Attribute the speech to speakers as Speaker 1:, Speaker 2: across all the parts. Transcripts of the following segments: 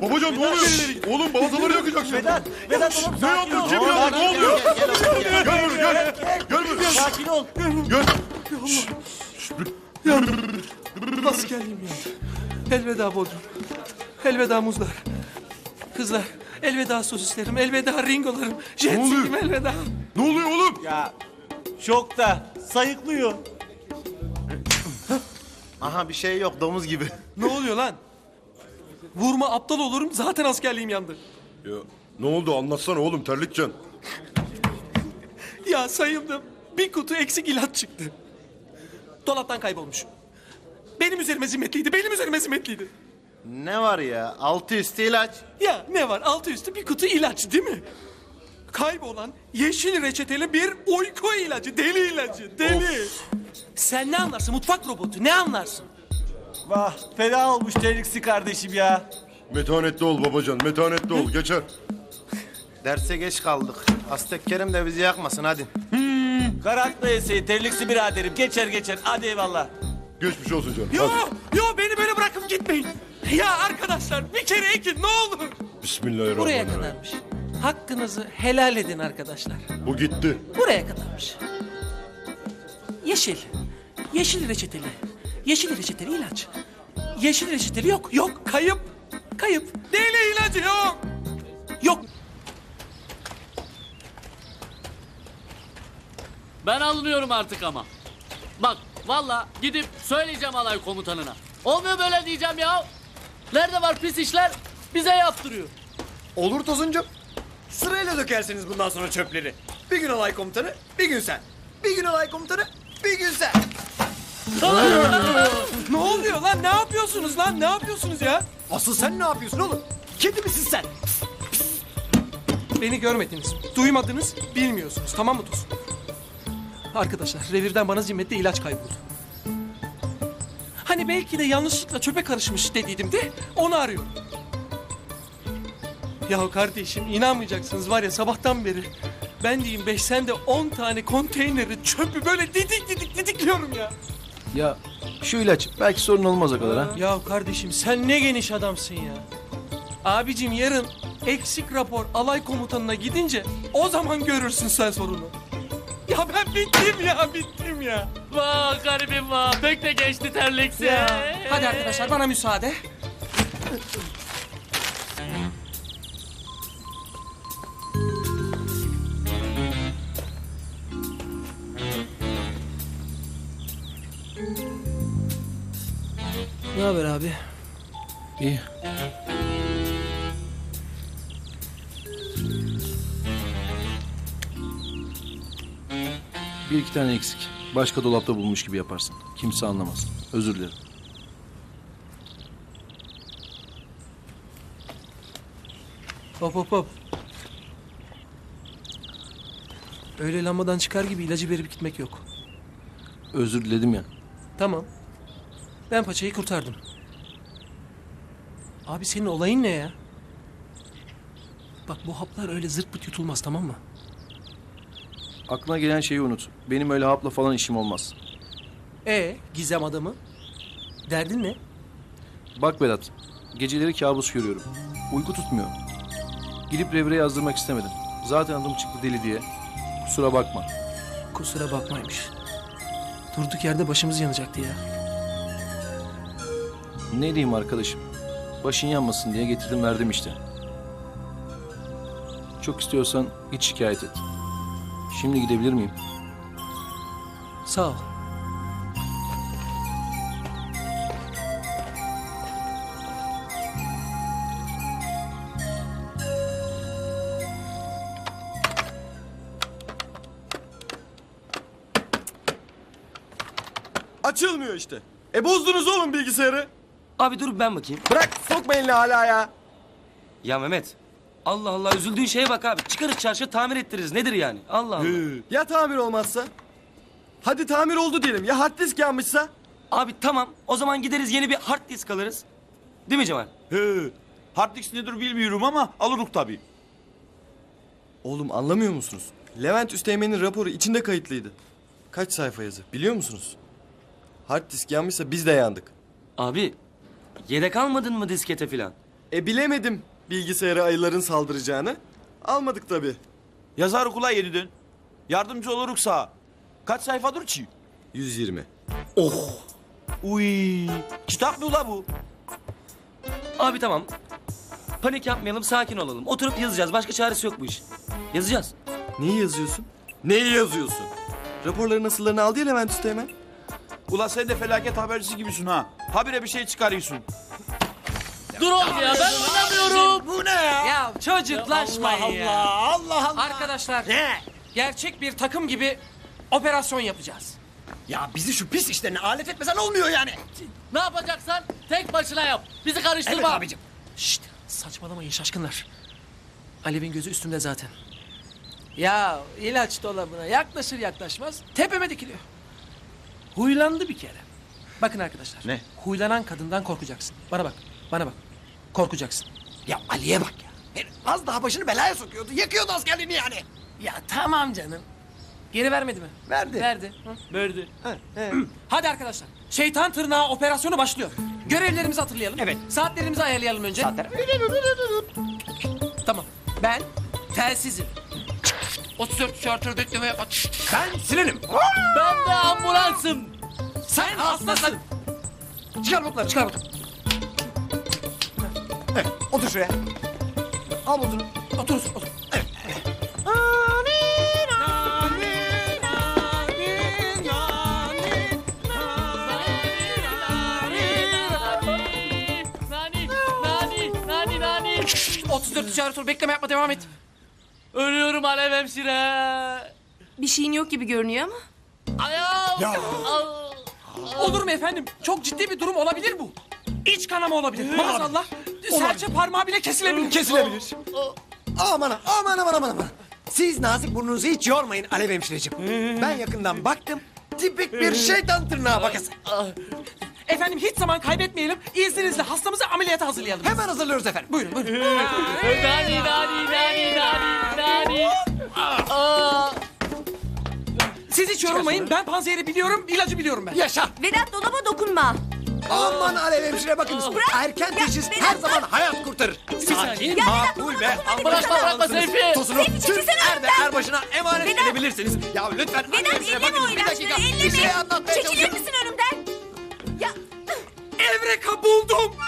Speaker 1: Babacan ne oluyor? Oğlum balataları yakacaksın.
Speaker 2: Vedat oğlum
Speaker 1: Ne
Speaker 2: sakin ol.
Speaker 1: yapıyorsun? Kim ya? Ne oluyor?
Speaker 2: Gel
Speaker 1: Gel buraya.
Speaker 2: sakin ol.
Speaker 1: Gel.
Speaker 3: Askerliğim yandı. Elveda Bodrum. Elveda muzlar. Kızlar. Elveda sosislerim. Elveda ringolarım. Jet
Speaker 1: oluyor?
Speaker 3: ski'm elveda.
Speaker 1: Ne oluyor oğlum?
Speaker 2: Ya şokta sayıklıyor.
Speaker 4: Aha bir şey yok domuz gibi.
Speaker 3: Ne oluyor lan? Vurma aptal olurum. Zaten askerliğim yandı.
Speaker 1: Ya ne oldu anlatsana oğlum terlikcan.
Speaker 3: Ya sayıldım. Bir kutu eksik ilaç çıktı. Dolaptan kaybolmuş. Benim üzerime zimmetliydi. Benim üzerime zimmetliydi.
Speaker 4: Ne var ya? Altı üstü ilaç.
Speaker 3: Ya ne var? Altı üstü bir kutu ilaç değil mi? Kaybolan yeşil reçeteli bir uyku ilacı. Deli ilacı. Deli. Sen ne anlarsın? Mutfak robotu. Ne anlarsın?
Speaker 2: Vah fena olmuş Terliksi kardeşim ya.
Speaker 1: Metanetli ol babacan metanetli ol geçer.
Speaker 4: Derse geç kaldık. Aztek Kerim de bizi yakmasın hadi.
Speaker 2: Karakla yeseyi Terliksi biraderim. Geçer. Hadi eyvallah.
Speaker 1: Geçmiş olsun canım.
Speaker 3: Yo,
Speaker 1: Hadi.
Speaker 3: yo beni böyle bırakıp gitmeyin. Ya arkadaşlar bir kere ekin ne olur. Buraya
Speaker 1: Bismillahirrahmanirrahim.
Speaker 3: kadarmış. Hakkınızı helal edin arkadaşlar.
Speaker 1: Bu gitti.
Speaker 3: Buraya kadarmış. Yeşil. Yeşil reçeteli. Yeşil reçeteli ilaç. Yeşil reçeteli yok. Yok. Kayıp. Kayıp. Deli ilacı yok. Yok.
Speaker 5: Ben alınıyorum artık ama. Bak valla gidip söyleyeceğim alay komutanına. Olmuyor böyle diyeceğim ya. Nerede var pis işler bize yaptırıyor.
Speaker 6: Olur Tosuncuğum. Sırayla dökersiniz bundan sonra çöpleri. Bir gün alay komutanı, bir gün sen. Bir gün alay komutanı, bir gün sen.
Speaker 3: Ne oluyor lan? Ne yapıyorsunuz lan? Ne yapıyorsunuz ya?
Speaker 6: Asıl sen ne yapıyorsun oğlum? Kedi misin sen?
Speaker 3: Beni görmediniz, duymadınız, bilmiyorsunuz. Tamam mı Tosun? Arkadaşlar, revirden bana zimmetli ilaç kayboldu. Hani belki de yanlışlıkla çöpe karışmış dediydim de onu arıyorum. Ya kardeşim inanmayacaksınız var ya sabahtan beri ben diyeyim 5 sen de 10 tane konteyneri çöpü böyle didikliyorum ya.
Speaker 7: Ya şu ilaç belki sorun olmaz o kadar ha.
Speaker 3: Ya kardeşim sen ne geniş adamsın ya. Abicim yarın eksik rapor alay komutanına gidince o zaman görürsün sen sorunu. Ya ben bittim ya.
Speaker 5: Vah garibim vah pek de geçti terliksi.
Speaker 3: Hadi arkadaşlar bana müsaade. Ne haber abi?
Speaker 7: İyi. Bir iki tane eksik. Başka dolapta bulmuş gibi yaparsın. Kimse anlamaz. Özür dilerim.
Speaker 3: Hop. Öyle lambadan çıkar gibi ilacı verip gitmek yok.
Speaker 7: Özür diledim ya.
Speaker 3: Tamam. Ben paçayı kurtardım. Abi senin olayın ne ya? Bak bu haplar öyle zırt pırt yutulmaz tamam mı?
Speaker 7: Aklına gelen şeyi unut. Benim öyle hapla falan işim olmaz.
Speaker 3: Gizem adamı? Derdin ne?
Speaker 7: Bak Vedat, geceleri kabus görüyorum. Uyku tutmuyor. Gidip revire yazdırmak istemedim. Zaten adım çıktı deli diye. Kusura bakma.
Speaker 3: Kusura bakmaymış. Durduk yerde başımız yanacaktı ya.
Speaker 7: Ne diyeyim arkadaşım? Başın yanmasın diye getirdim verdim işte. Çok istiyorsan git şikayet et. Şimdi gidebilir miyim?
Speaker 3: Sağ ol.
Speaker 6: Açılmıyor işte. Bozdunuz oğlum bilgisayarı.
Speaker 8: Abi dur ben bakayım.
Speaker 6: Bırak sokma elini hala ya.
Speaker 8: Ya Mehmet. Allah Allah üzüldüğün şeye bak abi. Çıkarız çarşıya tamir ettiririz. Nedir yani? Allah Allah.
Speaker 6: Ya tamir olmazsa? Hadi tamir oldu diyelim. Ya hard disk yanmışsa?
Speaker 8: Abi tamam. O zaman gideriz yeni bir hard disk alırız. Değil mi Cemal?
Speaker 2: Hard disk nedir bilmiyorum ama alırız tabii.
Speaker 6: Oğlum anlamıyor musunuz? Levent Üsteğmen'in raporu içinde kayıtlıydı. Kaç sayfa yazı biliyor musunuz? Hard disk yanmışsa biz de yandık.
Speaker 8: Abi yedek almadın mı diskete filan?
Speaker 6: Bilemedim bilgisayara ayıların saldıracağını. Almadık tabii.
Speaker 9: Yazar okula yeniden. Yardımcı oluruk sağ. Kaç sayfadır ki?
Speaker 6: 120.
Speaker 9: Uy, kitap mı ula bu?
Speaker 8: Abi tamam. Panik yapmayalım, sakin olalım. Oturup yazacağız. Başka çaresi yok bu iş. Yazacağız.
Speaker 6: Neyi yazıyorsun? Neyi yazıyorsun? Raporların nasıllarını aldı ya Levent Usta hemen.
Speaker 9: Ula sen de felaket habercisi gibisin ha. Habire bir şey çıkarıyorsun.
Speaker 5: Dur oğlum ya ben oynamıyorum.
Speaker 6: Bu ne ya?
Speaker 3: Ya çocuklaşmayın ya.
Speaker 6: Allah Allah.
Speaker 3: Arkadaşlar
Speaker 6: Ne?
Speaker 3: gerçek bir takım gibi operasyon yapacağız.
Speaker 6: Ya bizi şu pis işlerine alet etmesen olmuyor yani.
Speaker 5: Ne yapacaksan tek başına yap. Bizi karıştırma.
Speaker 6: Evet abicim.
Speaker 3: Şşt saçmalamayın şaşkınlar. Alev'in gözü üstümde zaten. Ya ilaç dolabına yaklaşır yaklaşmaz tepeme dikiliyor. Huylandı bir kere. Bakın arkadaşlar.
Speaker 9: Ne?
Speaker 3: Huylanan kadından korkacaksın. Bana bak, bana bak. Korkacaksın.
Speaker 6: Ya Ali'ye bak ya. Herif az daha başını belaya sokuyordu. Yakıyordu askerliğini yani.
Speaker 3: Ya tamam canım. Geri vermedi mi?
Speaker 6: Verdi.
Speaker 3: Verdi. Hı.
Speaker 5: Verdi.
Speaker 3: Hadi arkadaşlar. Şeytan tırnağı operasyonu başlıyor. Görevlerimizi hatırlayalım.
Speaker 6: Evet.
Speaker 3: Saatlerimizi ayarlayalım önce.
Speaker 6: Saatler.
Speaker 3: Tamam. Ben telsizim. 34 şartör bekleme yapma.
Speaker 6: Ben Sinan'ım.
Speaker 5: Ben de ambulansım.
Speaker 3: Sen hastasın.
Speaker 6: Çıkar botları.
Speaker 3: Çıkar bakalım.
Speaker 6: Evet, otur şuraya. Al botunu.
Speaker 3: Otur, otur.
Speaker 5: Nani.
Speaker 3: 34 şartör bekleme yapma devam et.
Speaker 5: Ölüyorum Alev hemşire.
Speaker 10: Bir şeyin yok gibi görünüyor ama.
Speaker 5: Ayağım.
Speaker 3: Olur mu efendim? Çok ciddi bir durum olabilir bu. İç kanama olabilir. Maazallah. Serçe parmağı bile kesilebilir.
Speaker 6: Kesilebilir. Aman. Siz nazik burnunuzu hiç yormayın Alev hemşireciğim. Ben yakından baktım. Tipik bir şeytan tırnağı bakası.
Speaker 3: Efendim hiç zaman kaybetmeyelim. İzninizle hastamızı ameliyata hazırlayalım.
Speaker 6: Hemen hazırlıyoruz efendim.
Speaker 3: Buyurun buyurun.
Speaker 5: Nani.
Speaker 3: Siz hiç yorulmayın. Ben panzehri biliyorum, ilacı biliyorum ben.
Speaker 6: Yaşa.
Speaker 10: Vedat dolaba dokunma.
Speaker 6: Aman Alev hemşire bakınız. Erken teşhis
Speaker 10: Vedat,
Speaker 6: her zaman hayat kurtarır. Sakin, makul ve
Speaker 5: Bırakma Seyfi.
Speaker 6: Tosunu
Speaker 10: Seyfi,
Speaker 6: tüm
Speaker 10: çekilsene
Speaker 6: erde
Speaker 10: önümden.
Speaker 6: erbaşına emanet
Speaker 10: Vedat.
Speaker 6: edebilirsiniz. Ya lütfen Alev
Speaker 10: Vedat
Speaker 6: hemşire
Speaker 10: elleme o
Speaker 6: bakınız. Bir
Speaker 10: ilaçları
Speaker 6: dakika. Bir şey
Speaker 10: elleme.
Speaker 6: anlatmaya
Speaker 10: Çekilir
Speaker 6: çalışıyorum.
Speaker 10: misin önümden? Ya
Speaker 3: Evreka buldum.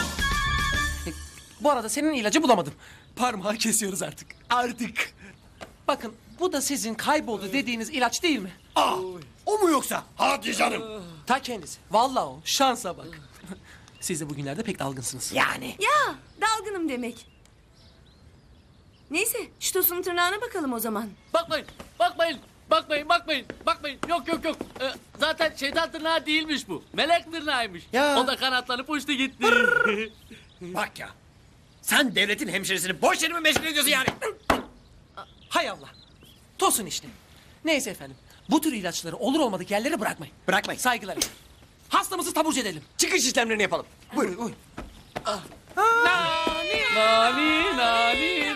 Speaker 3: Bu arada senin ilacı bulamadım. Parmağı kesiyoruz artık. Artık. Bakın bu da sizin kayboldu dediğiniz ilaç değil mi?
Speaker 6: O mu yoksa? Hadi canım.
Speaker 3: Ta kendisi. Vallahi o. Şansa bak. Siz de bugünlerde pek dalgınsınız.
Speaker 6: Yani.
Speaker 10: ya dalgınım demek. Neyse şu tosunun tırnağına bakalım o zaman.
Speaker 5: Bakmayın. Yok. Zaten şeytan tırnağı değilmiş bu. Melek tırnağıymış.
Speaker 6: Ya.
Speaker 5: O da kanatlanıp uçtu gitti.
Speaker 6: Bak ya. Sen devletin hemşiresini boş yere mi meşgul ediyorsun yani?
Speaker 3: Hay Allah. Tosun işte. Neyse efendim. Bu tür ilaçları olur olmadık yerlere bırakmayın.
Speaker 6: Bırakmayın.
Speaker 3: Saygılar. Hastamızı taburcu edelim.
Speaker 6: Çıkış işlemlerini yapalım. Buyurun.
Speaker 3: Buyurun.
Speaker 5: Nani.